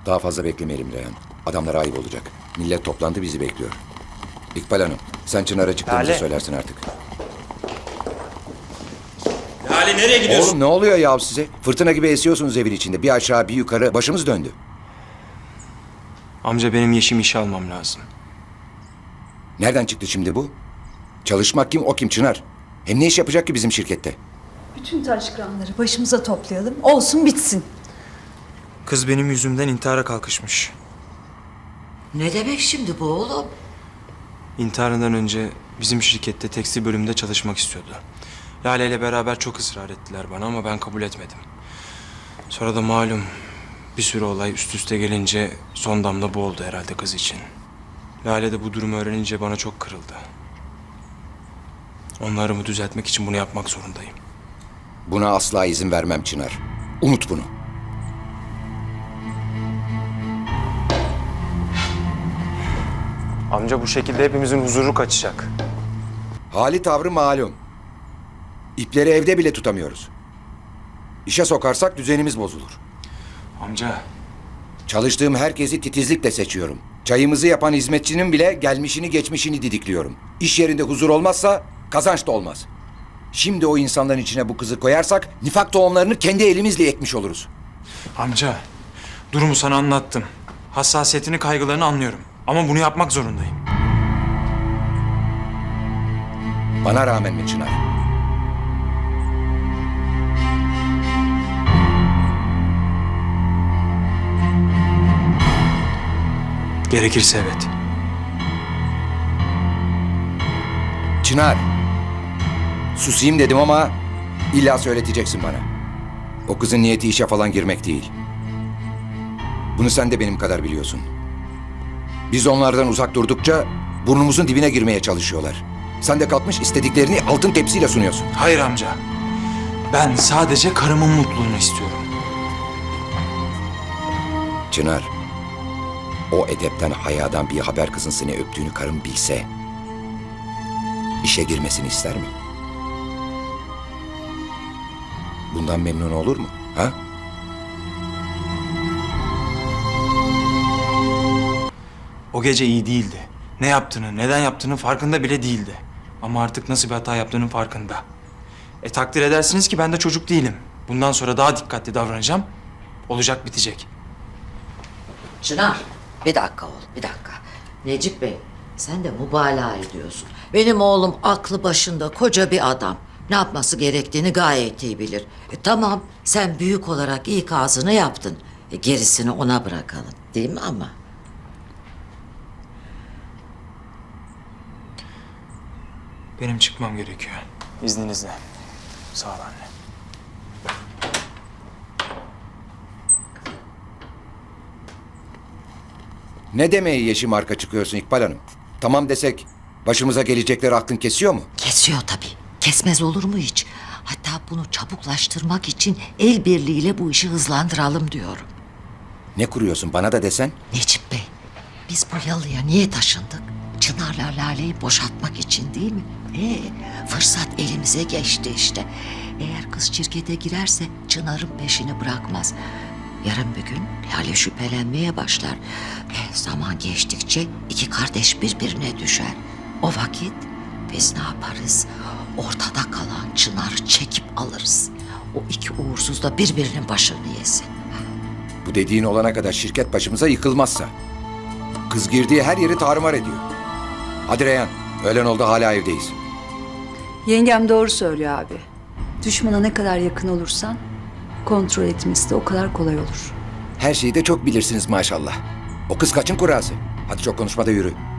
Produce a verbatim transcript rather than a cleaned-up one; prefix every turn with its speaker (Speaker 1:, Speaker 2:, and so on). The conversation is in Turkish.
Speaker 1: Daha fazla beklemeyelim Reyhan. Adamlara ayıp olacak. Millet toplandı, bizi bekliyor. İkbal Hanım, sen Çınar'a çıktığımızı
Speaker 2: Lale.
Speaker 1: söylersin artık.
Speaker 2: Lale nereye gidiyorsun?
Speaker 1: Oğlum ne oluyor ya size? Fırtına gibi esiyorsunuz evin içinde. Bir aşağı bir yukarı başımız döndü.
Speaker 2: Amca benim Yeşim işe almam lazım.
Speaker 1: Nereden çıktı şimdi bu? Çalışmak kim, o kim Çınar? Hem ne iş yapacak ki bizim şirkette?
Speaker 3: Bütün taşkıranları başımıza toplayalım. Olsun bitsin.
Speaker 2: Kız benim yüzümden intihara kalkışmış.
Speaker 4: Ne demek şimdi bu oğlum?
Speaker 2: İntiharından önce bizim şirkette tekstil bölümünde çalışmak istiyordu. Lale ile beraber çok ısrar ettiler bana ama ben kabul etmedim. Sonra da malum bir sürü olay üst üste gelince son damla bu oldu herhalde kız için. Lale de bu durumu öğrenince bana çok kırıldı. Onlarımı düzeltmek için bunu yapmak zorundayım.
Speaker 1: Buna asla izin vermem Çınar. Unut bunu.
Speaker 2: Amca bu şekilde hepimizin huzuru kaçacak.
Speaker 1: Hali tavrı malum. İpleri evde bile tutamıyoruz. İşe sokarsak düzenimiz bozulur.
Speaker 2: Amca
Speaker 1: Çalıştığım herkesi titizlikle seçiyorum. Çayımızı yapan hizmetçinin bile gelmişini geçmişini didikliyorum. İş yerinde huzur olmazsa kazanç da olmaz. Şimdi o insanların içine bu kızı koyarsak nifak tohumlarını kendi elimizle ekmiş oluruz.
Speaker 2: Amca, durumu sana anlattım. Hassasiyetini, kaygılarını anlıyorum. Ama bunu yapmak zorundayım.
Speaker 1: Bana rağmen mi Çınar?
Speaker 2: Gerekirse evet.
Speaker 1: Çınar. Susayım dedim ama illa söyleteceksin bana. O kızın niyeti işe falan girmek değil. Bunu sen de benim kadar biliyorsun. Biz onlardan uzak durdukça burnumuzun dibine girmeye çalışıyorlar. Sen de kalkmış istediklerini altın tepsiyle sunuyorsun.
Speaker 2: Hayır amca. Ben sadece karımın mutluluğunu istiyorum.
Speaker 1: Çınar, o edepten, hayadan bir haber kızın seni öptüğünü karın bilse, işe girmesini ister mi? Bundan memnun olur mu? Ha?
Speaker 2: O gece iyi değildi. Ne yaptığını, neden yaptığının farkında bile değildi. Ama artık nasıl bir hata yaptığının farkında. E takdir edersiniz ki ben de çocuk değilim. Bundan sonra daha dikkatli davranacağım. Olacak bitecek.
Speaker 4: Çınar, bir dakika oğlum, bir dakika. Necip Bey, sen de mübalağa ediyorsun. Benim oğlum aklı başında koca bir adam. Ne yapması gerektiğini gayet iyi bilir. E, tamam, sen büyük olarak ikazını yaptın. E, gerisini ona bırakalım, değil mi ama?
Speaker 2: Benim çıkmam gerekiyor. İzninizle. Sağ ol anne.
Speaker 1: Ne demeye yeşim arka çıkıyorsun İkbal Hanım? Tamam desek başımıza gelecekleri aklın kesiyor mu?
Speaker 4: Kesiyor tabii. Kesmez olur mu hiç? Hatta bunu çabuklaştırmak için el birliğiyle bu işi hızlandıralım diyorum.
Speaker 1: Ne kuruyorsun bana da desen?
Speaker 4: Necip Bey, biz bu yalıya niye taşındık? Çınar'la Lale'yi boşaltmak için değil mi? Ee, fırsat elimize geçti işte. Eğer kız şirkete girerse Çınar'ın peşini bırakmaz. Yarın bir gün Lale şüphelenmeye başlar. E, zaman geçtikçe iki kardeş birbirine düşer. O vakit biz ne yaparız? Ortada kalan Çınar'ı çekip alırız. O iki uğursuz da birbirinin başını yesin.
Speaker 1: Bu dediğin olana kadar şirket başımıza yıkılmazsa. Kız girdiği her yeri tarumar ediyor. Hadi Reyhan, öğlen oldu hala evdeyiz.
Speaker 3: Yengem doğru söylüyor abi. Düşmana ne kadar yakın olursan kontrol etmesi de o kadar kolay olur.
Speaker 1: Her şeyi de çok bilirsiniz maşallah. O kız kaçın kurası? Hadi çok konuşma da yürü.